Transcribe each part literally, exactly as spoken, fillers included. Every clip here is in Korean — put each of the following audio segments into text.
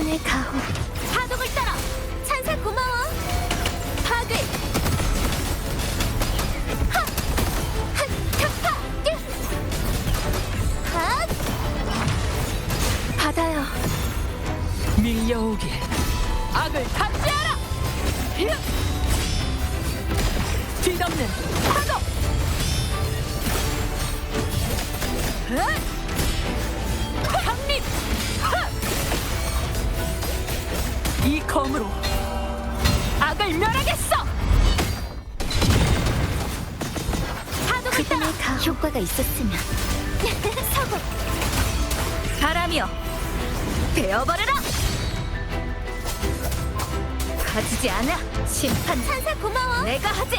그분의 가호. 파독을 따라 찬사 고마워. 파괴. 하! 하! 타파! 띠! 하! 받아요. 밀려오길 악을 탐지하라. 히읗! 뒤덮는 파도. 강림. 이 검으로 악을 멸하겠어. 파독을 따라 그분의 가호. 효과가 있었으면. 서고. 바람이여 베어버려라. 가지지 않아. 심판 찬사 고마워. 내가 하지.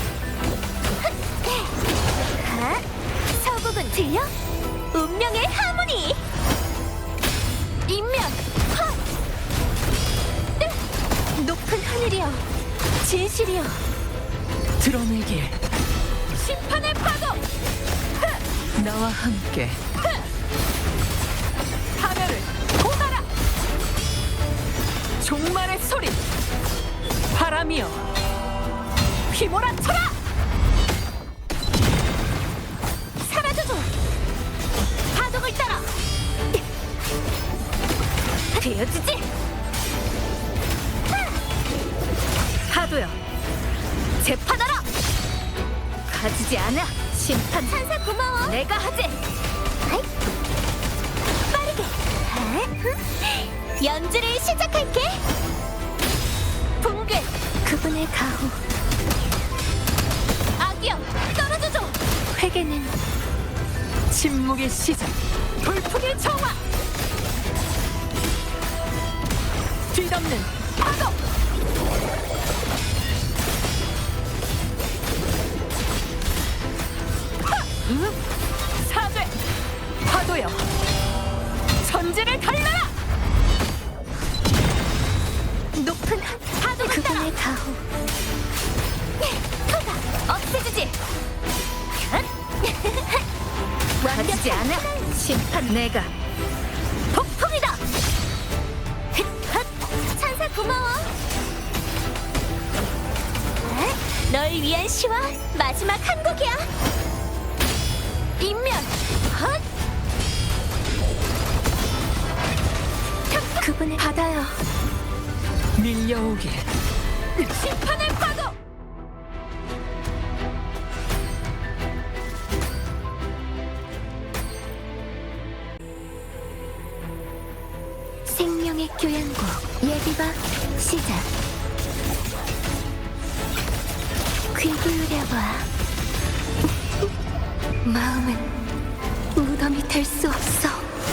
하! 서곡은 들려? 운명의 하모니. 인면. 헛! 뜨! 높은 하늘이여. 진실이여. 드러내길 심판의 파도. 나와 함께 하늘을 고하라. 종말의 소리 바람이여 휘몰아쳐라. 사라져줘. 파독을 따라. 되어지지. 파도여 재판하라. 가지지 않아. 심판 찬사 고마워. 내가 하지. 아이. 빠르게. 아, 연주를 시작할게. 붕괴. 그분의 가호. 악이여 떨어져줘. 회개는 침묵의 시작 돌풍의 정화 뒤덮는 파도. 응? 사죄 파도여 천지를 달라라. 높은 하... 파도를 따라. 그분의 가호. 토가 없애주지. 가지지 않아. 심판 내가 폭풍이다. 흩! 찬사 고마워. 에? 널 위한 시와 마지막 한 곡이야. 인면. 헛! 그분의 받아요. 밀려오길 심판의 파도. 생명의 교양곡 예비바 시작. 귀 기울여봐. 마음은 무덤이 될 수 없어.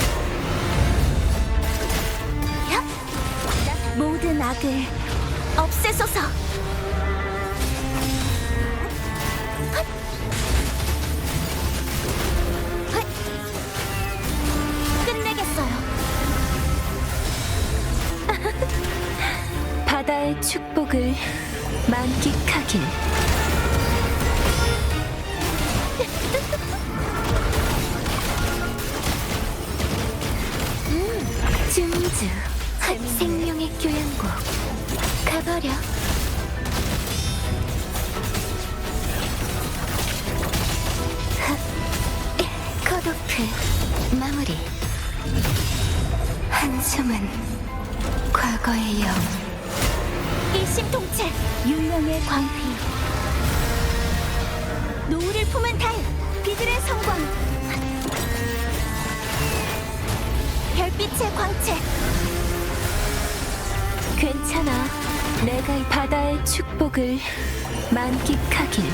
야! 모든 악을 없애소서. 헛! 헛! 끝내겠어요. 바다의 축복을 만끽하길. 음, 쯤즈 생명의 교양곡 가버려. 컷오프 마무리. 한숨은 과거의 영. 일심동체. 유명의 광휘. 노을을 품은 달. 비들의 성광. 별빛의 광채. 괜찮아. 내가 이 바다의 축복을 만끽하길.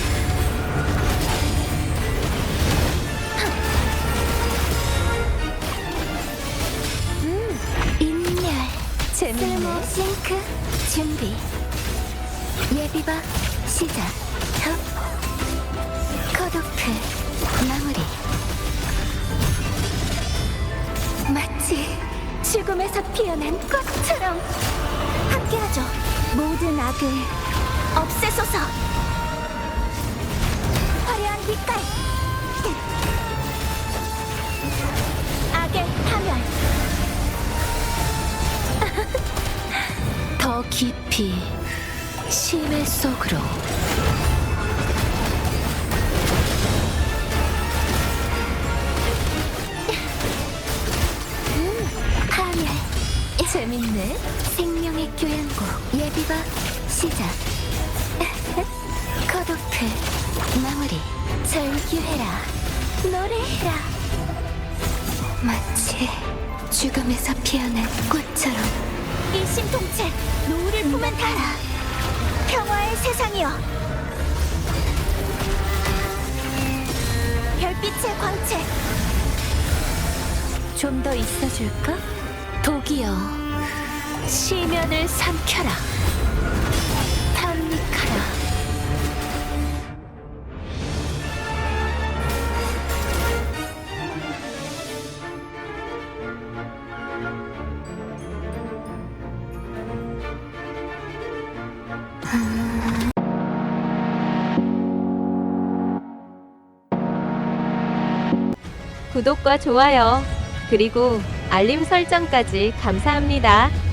음, 인멸. 재밌네. 쓸모 싱크 준비. 예비바 시작. 흡. 컷오프 마무리. 마치 죽음에서 피어난 꽃처럼 함께하죠. 모든 악을 없애소서. 화려한 빛깔. 악의 파멸. 깊이 심해 속으로. 파멸. 재밌네. 생명의 교양곡 예비가 시작. 거독해 마무리. 절규해라. 노래해라. 마치 죽음에서 피어난 꽃처럼 일심동체 노을을 품은 달아. 평화의 세상이여. 별빛의 광채. 좀 더 있어줄까? 독이여 시면을 삼켜라. 탐닉하라. 구독과 좋아요, 그리고 알림 설정까지 감사합니다.